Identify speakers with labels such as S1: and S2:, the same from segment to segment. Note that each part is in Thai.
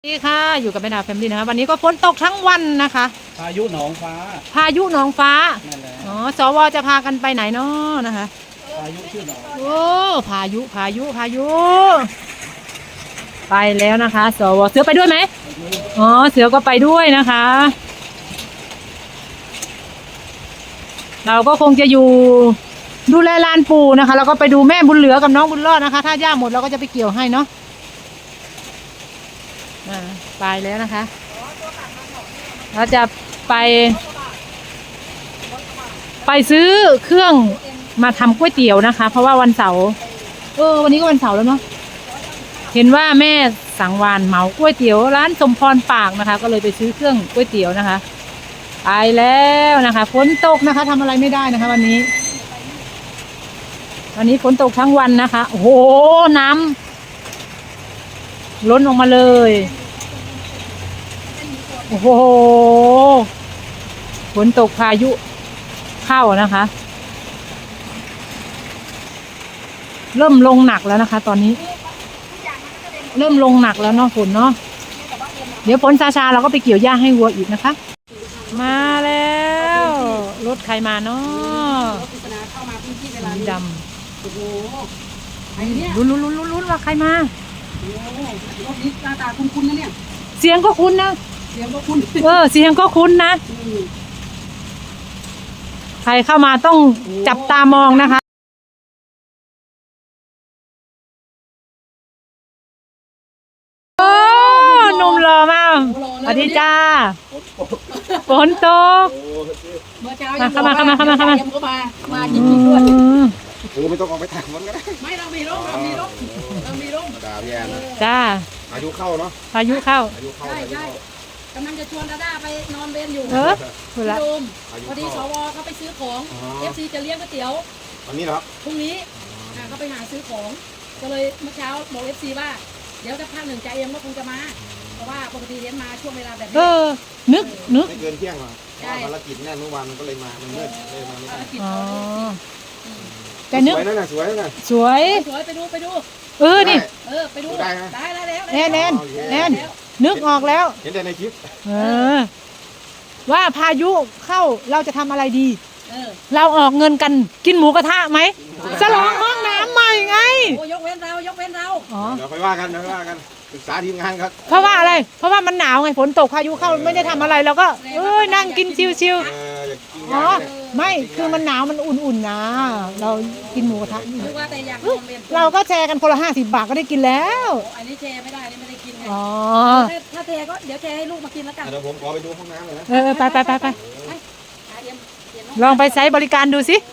S1: สวัสดีค่ะอยู่กับแม่ดาวแฟมิลี่นะคะวันนี้ก็ฝนตกทั้งวันนะคะ
S2: พายุหนองฟ้า
S1: พายุหนองฟ้า
S2: นั่นแหละ
S1: อ๋อสวจะพากันไปไหนเนาะนะคะ
S2: พายุชื่อหนอง
S1: โอ้พายุไปแล้วนะคะสวเสือไปด้วยไหมอ๋อเสือก็ไปด้วยนะคะเราก็คงจะอยู่ดูแลลานปู่นะคะแล้วก็ไปดูแม่บุญเหลือกับน้องบุญรอดนะคะถ้าหญ้าหมดเราก็จะไปเกี่ยวให้เนาะไปแล้วนะคะเราจะไปซื้อเครื่องมาทำก๋วยเตี๋ยวนะคะเพราะว่าวันเสาร์วันนี้ก็วันเสาร์แล้วเนาะเห็นว่าแม่สังวานเหมาก๋วยเตี๋ยวร้านสมพรปากนะคะก็เลยไปซื้อเครื่องก๋วยเตี๋ยวนะคะไปแล้วนะคะฝนตกนะคะทำอะไรไม่ได้นะคะวันนี้ฝนตกทั้งวันนะคะโอ้โหน้ำล้นออกมาเลยโอ้โหฝนตกพายุเข้านะคะเริ่มลงหนักแล้วนะคะตอนนี้เริ่มลงหนักแล้วเนาะฝนเนาะเดี๋ยวฝนซาๆเราก็ไปเกี่ยวหญ้าให้วัวอีกนะคะมาแล้วรถใครมาเนาะสีดำลุ้นว่าใครมาร
S3: ถนี้หน้าตาคุ้นๆนะเนี่ย
S1: เสียงก็คุ้นนะ
S3: เสียงก็คุ้น
S1: เสียงก็คุ้นนะใครเข้ามาต้องจับตามองนะคะโอ้หนุ่มหล่อมากสวัสดีจ้าฝนตก
S3: เมื่อเช้าเข้ามาจริงๆด้วย
S2: ไม่ต้องออกไปถ่ายมันก็ได้
S3: ไม่เรามีร่ม
S2: ดาพี่แอน
S1: จ้า
S2: พายุเข้าเนาะ
S1: พายุเข้า
S3: ใช่กำลังจะชวนดาด้าไปนอนเบนอยู่
S1: คุณละ
S3: พอดีสวเขาไปซื้อของ FC จะเลี้ยงก๋วยเตี๋ยว
S2: วันนี้เหรอ
S3: พรุ่งนี้เขาไปหาซื้อของก็เลยเมื่อเช้าบอก FC ว่าเดี๋ยวจะพักหนึ่งใจเอ็มก็คงจะมาเพราะว่าปกติเลี้ยงมาช่วงเวลาแบบนี้
S1: นึก
S2: ไม่เกินเที่ยงหรอภารกิจแน่เมื่อวานมันก็เลยมามันมืดเลยมาไม่ได้
S1: แต่นึก
S2: สวยนะ
S1: สวย
S3: ไปดู
S1: นี่
S3: ไปดู
S2: ได้
S3: แล้ว
S1: แน่นนึกออกแล้ว
S2: เห็นแต่ในคลิป
S1: ว่าพายุเข้าเราจะทำอะไรดีเราออกเงินกันกินหมูกระทะไหมฉลองห้องน้ำใหม่ไง
S3: ยกเว้นเรา
S2: เดี๋ยวไปว่ากันศึกษาทีมงานครับ
S1: เพราะว่าอะไรเพราะว่ามันหนาวไงฝนตกพายุเข้าไม่ได้ทำอะไรเราก็นั่งกินชิวๆไม่คือมันหนาวมันอุ่นๆนะเรากินหมูกระทะเราก็แชร์กันคนละ50 บาทก็ได้กินแล้ว
S3: อันนี้แชร์ไม่ได้ไม่ได้กินไงถ้าแชร์ก็เดี๋ยวแชร์ให้ลูกมากินแล้วกัน
S2: เดี๋ยวผมขอไปดูห้องน้ำเลยนะ
S1: ไปลองไปใช้บริการดูสิ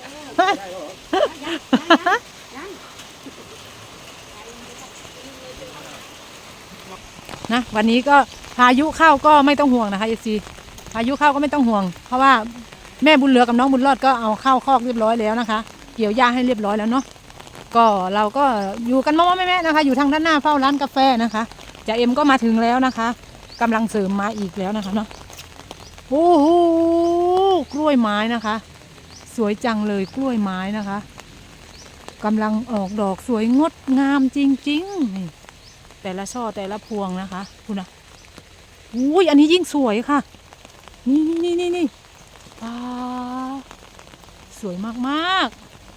S1: นะวันนี้ก็พายุเข้าก็ไม่ต้องห่วงนะคะซีพายุเข้าก็ไม่ต้องห่วงเพราะว่าแม่บุญเหลือกับน้องบุญรอดก็เอาเข้าคอกเรียบร้อยแล้วนะคะเกี่ยวหญ้าให้เรียบร้อยแล้วเนาะก็เราก็อยู่กันแม่นะคะอยู่ทางด้านหน้าเฝ้าร้านกาแฟนะคะจ่าเอ็มก็มาถึงแล้วนะคะกำลังเสริมมาอีกแล้วนะคะเนาะโอ้โหกล้วยไม้นะคะสวยจังเลยกล้วยไม้นะคะกำลังออกดอกสวยงดงามจริงๆนี่แต่ละช่อแต่ละพวงนะคะคุณนะอุ้ยอันนี้ยิ่งสวยค่ะนี่สวยมาก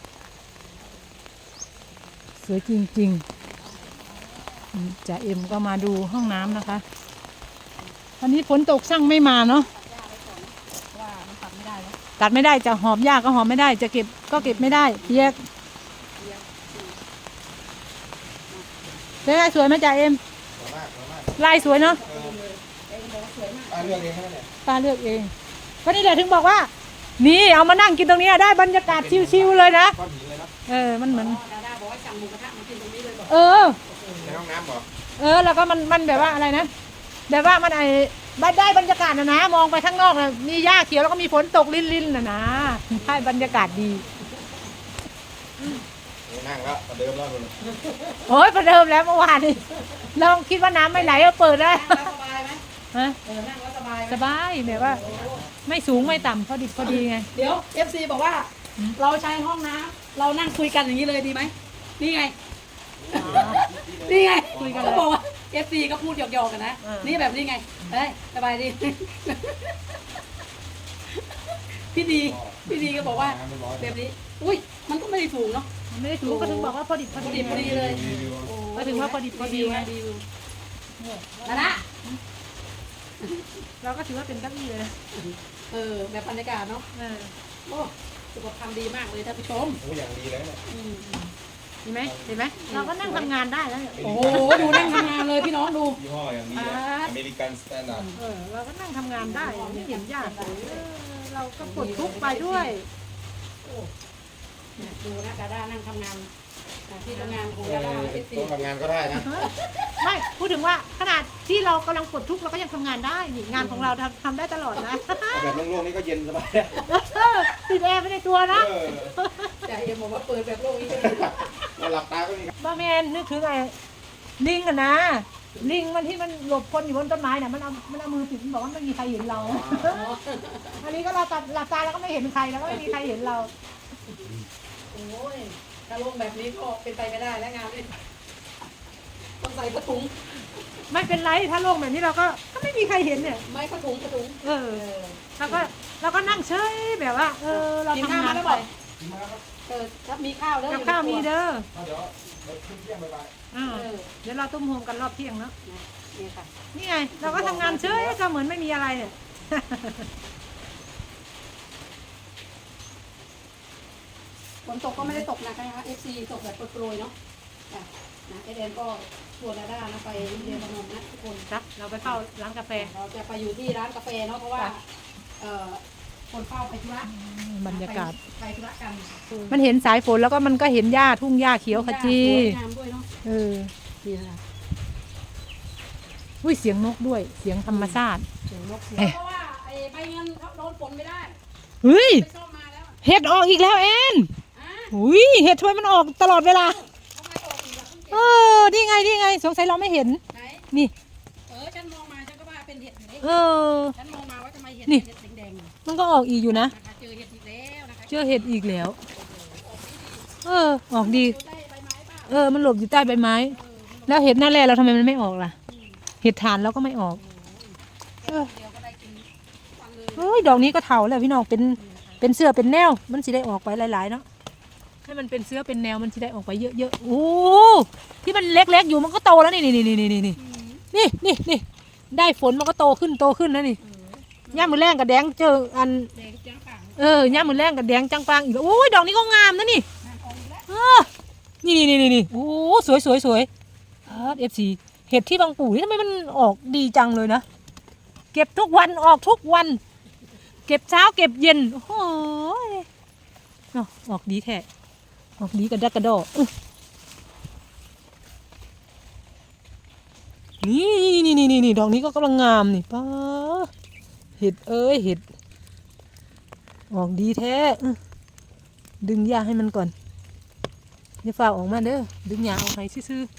S1: ๆสวยจริงๆจ่าเอ็มก็มาดูห้องน้ำนะคะวันนี้ฝนตกช่างไม่มาเนาะตัดไม่ได้จะหอบหญ้าก็หอบไม่ได้จะเก็บก็เก็บไม่ได้เปียกได้สวยไหมจ่าเอ็มลายสวยเนาะ
S2: ป้าเลือกเองใช่ไหมเนี่ย
S1: ป้าเลือกเองก็นี่แหละถึงบอกว่านี่เอามานั่งกินตรงนี้ได้บรรยากาศชิวๆเลยนะมันเหมือน
S2: ในห้องน้ำบอก
S1: แล้วก็มันแบบว่าอะไรนะแบบว่ามันได้บรรยากาศนะมองไปข้างนอกนะมีหญ้าเขียวแล้วก็มีฝนตกลิ่นๆนะให้บรรยากาศดี
S2: นั่งแล้วประเดิมแล้วคุณ
S1: โอ้ยประเดิมแล้วเมื่อวานนี้เราคิดว่าน้ำไม่ไหลก็เปิดได้
S3: สบายไหมนั่งแล้ว
S1: สบายแบบว่าไม่สูงไม่ต่ำพอดีไง
S3: เดี๋ยว FC บอกว่าเราใช้ห้องน้ำเรานั่งคุยกันอย่างนี้เลยดีไหมนี่ไงคุยกันเขาบอกว่า FC ก็พูดหยอกๆกันนะนี่แบบนี้ไงเฮ้ยสบายดี พี่ดีก็บอกว่าแบบนี้อุ้ยมันก็ไม่ได้ถูกเนาะ
S1: ไม่ได้ถูกก็ถึงบอกว่าพอดิบพอ
S3: พอ
S1: ดี
S3: ดีเลย
S1: ก็ถึงว่าพอดิบพอดีไง
S3: รีวิวนะนะ
S1: เราก็ถือว่าเป็นเก้าอี้เลยนะ
S3: แบบบรรยากาศเนาะโอ้สุขภาพดีมากเลยท่านผู้ชม
S2: โอ้อย่างดีแล้วเนี่ย
S1: เห็นไหมเห็นไหมเราก็นั่งทำงานได้แล้วเนี่ย
S3: โอ้โหดูนั่งทำงานเลยพี่น้องดู
S2: ยี่ห้ออย่างดีอเมริกันสแตนดาร์ด
S1: เราก็นั่งทำงานได้ไม่เห็นยากเลยเราก็ปลดทุกข์ไปด้วย
S3: ดูนะกาด้านั่งทำงานที่ทำงานของกาด้าเอฟซี
S2: ต้องทำงานก็ได้นะ
S1: ไม่พูดถึงว่าขนาดที่เรากำลังปลดทุกข์เราก็ยังทำงานได้นี่งานของเราทำได้ตลอดนะ
S2: แบบโล่งๆนี่ก็เย็นสบาย
S1: ติดแอร์ไม่ได้ตัวนะ
S3: แต่เอ็มบอกว่าเปิดแบบโลกนี้
S2: เราหลับตาก็มี
S1: บ้าแมนนึกถึงไอ้ลิงอะนะลิงมันที่มันหลบคนอยู่บนต้นไม้น่ะมันเอามือปิดมันบอกว่าไม่มีใครเห็นเรา อันนี้ก็เราตัดหลับตาแล้วก็ไม่เห็นใครแล้วก็ไม่มีใครเห็นเรา
S3: โอ้ยถ้าลงแบบนี้ก็เป็นไปไม่ได้แล้วงานนี้ต้องใส่กระถุง
S1: ไม่เป็นไรถ้าโล่งแบบนี้เราก็ไม่มีใครเห็นเนี่ย
S3: ไม่กระถุง
S1: เราก็นั่งเฉยแบบว่า เราทำงานไป
S3: ถ้ามีข้าวแล้ว
S1: กับข้าวมีเด้อ
S2: เดี๋ยวขึ้นเที่ยงไป
S1: เดี๋ยวเราตุ้มโฮมกันรอบเที่ยงเนาะ
S3: นี่ค่ะ
S1: นี่ไงเราก็ทำงานเฉยก็เหมือนไม่มีอะไรเนี่ย
S3: ฝนตกก็ไม่ได้ตกนะคะ FC ตกแบบโปรยๆเนาะนะเอเดนก็ชวนดาด้านะไปเรียนพนมนะทุกคน
S1: ครับเราไปเข้าร้านกาแฟ
S3: เราจะไปอยู่ที่ร้านกาแฟเนาะเพราะว่าคนเฝ้าไปธุระ
S1: บรรยากาศ
S3: ไปธุระกัน
S1: มันเห็นสายฝนแล้วก็มันก็เห็นหญ้าทุ่งหญ้าเขียวขจี
S3: สวยงามด้วยเนาะ นี่นะคะ
S1: อุ้ยเสียงนกด้วย เสียงธรรมชาติ
S3: เสียงนกเสียงเพราะว่าไอ้ใบเงินเขาโดนฝนไม่ได้
S1: เฮ้ย
S3: ไปซ่อมมาแล้ว
S1: เห็ดออกอีกแล้วแอน
S3: อ่ะ
S1: อุ้ยเห็ดทำไมมันออกตลอดเวลา
S3: ทำไมออกอีกล่ะเพิ่งเก็บ
S1: นี่ไงสงสัยเราไม่เห็น
S3: ไหน
S1: นี่
S3: ฉันมองมาฉันก็ว่าเป็นเห็ดอยู่นี่ ฉันมองมาว่าทำไมเห็ด
S1: นี่
S3: เห็ดแดงๆอยู่
S1: มันก็ออกอีกอยู่นะ
S3: นะคะเจอเห็ดอีกแล้วนะคะ
S1: เจอเห็ดอีกแล้ว ออกดี
S3: ดูได้ใบไม้เปล่า
S1: มันหลบอยู่ใต้ใบไม้ แล้วเห็ดหน้าแร่เราทำไมมันไม่ออกล่ะ เห็ดฐานเราก็ไม่ออก
S3: เดี๋ยวก็ได้กินวันเลย
S1: เฮ้ย ดอกนี้ก็เถาแล้วพี่น้อง เป็นเสื้อเป็นแนว มันสิได้ออกไปหลายๆเนาะ ให้มันเป็นเสื้อเป็นแนว มันสิได้ออกไปเยอะๆ โอ้ที่มันเล็กๆอยู่มันก็โตแล้วนี่ได้ฝนมันก็โตขึ้นนะนี่ย่ามือแรงกับแดงเจออัน
S3: แดงจังปัง
S1: ย่ามือแรงกับแดงจังปังอีกแล้วโอ้ย ดอกนี้ก็งามนะนี่
S3: น้ำออกอีกแล้ว
S1: นี่โอ้สวยFC เห็ดที่บางปู่นี่ทำไมมันออกดีจังเลยนะ เก็บทุกวันออกทุกวัน เก็บเช้าเก็บเย็นโอ้โหเนาะออกดีแท้ออกดีกระดักกระดอนี่ดอกนี้ก็กำลังงามนี่ป้าเห็ดเห็ดออกดีแท้ดึงหญ้าให้มันก่อนอย่าฝ่าออกมาเด้อดึงหญ้าออกให้ซื่อ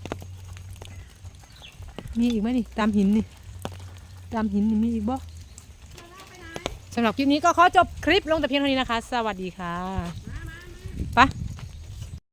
S1: ๆมีอีกไหมนี่ตามหินนี่มีอีกบ่สำหรับคลิปนี้ก็ขอจบคลิปลงแต่เพียงเท่านี้นะคะ สวัสดีค่ะไป